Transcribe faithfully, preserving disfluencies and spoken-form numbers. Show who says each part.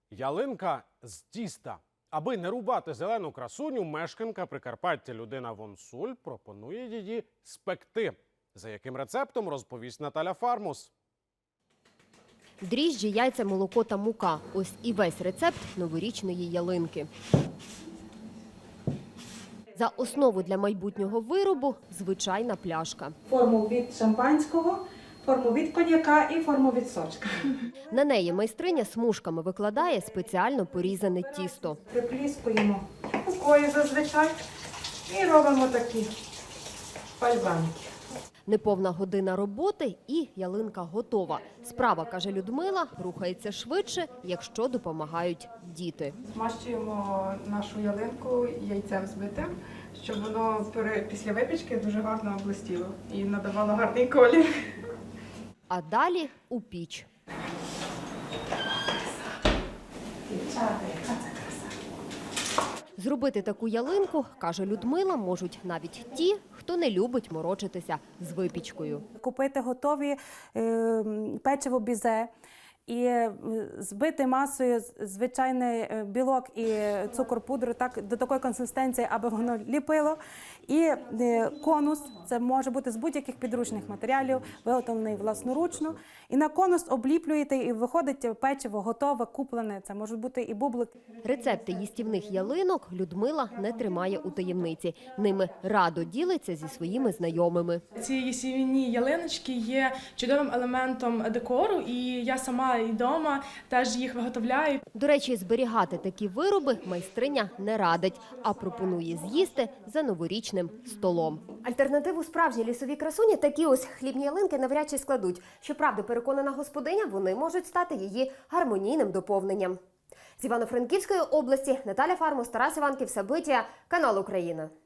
Speaker 1: Ялинка з тіста. Аби не рубати зелену красуню, мешканка Прикарпаття Людина Вонсуль пропонує її спекти. За яким рецептом, розповість Наталя Фармус.
Speaker 2: Дріжджі, яйця, молоко та мука. Ось і весь рецепт новорічної ялинки. За основу для майбутнього виробу – звичайна пляшка.
Speaker 3: Форму від шампанського, форму від коньяка і форму від сочка.
Speaker 2: На неї майстриня смужками викладає спеціально порізане тісто.
Speaker 3: Припліскуємо рукою зазвичай і робимо такі пальбанки.
Speaker 2: Неповна година роботи і ялинка готова. Справа, каже Людмила, рухається швидше, якщо допомагають діти.
Speaker 4: Змащуємо нашу ялинку яйцем збитим, щоб воно після випічки дуже гарно блистіло і надавало гарний колір.
Speaker 2: А далі у піч. Зробити таку ялинку, каже Людмила, можуть навіть ті, хто не любить морочитися з випічкою.
Speaker 5: Купити готові е, печиво бізе і е, збити масою звичайний е, білок і цукор пудру так, до такої консистенції, аби воно ліпило. І е, конус, це може бути з будь-яких підручних матеріалів, виготовлений власноручно. І на конус обліплюєте, і виходить печиво готове, куплене. Це можуть бути і бублики.
Speaker 2: Рецепти їстівних ялинок Людмила не тримає у таємниці. Ними радо ділиться зі своїми знайомими.
Speaker 6: Ці ясінні ялиночки є чудовим елементом декору, і я сама і вдома теж їх виготовляю.
Speaker 2: До речі, зберігати такі вироби майстриня не радить, а пропонує з'їсти за новорічним столом.
Speaker 7: Альтернативу справжній лісовій красуні такі ось хлібні ялинки навряд чи складуть. Щоправда, переконана господиня, вони можуть стати її гармонійним доповненням. З Івано-Франківської області Наталя Фармус, Тарас Іванків, Сабиття, канал Україна.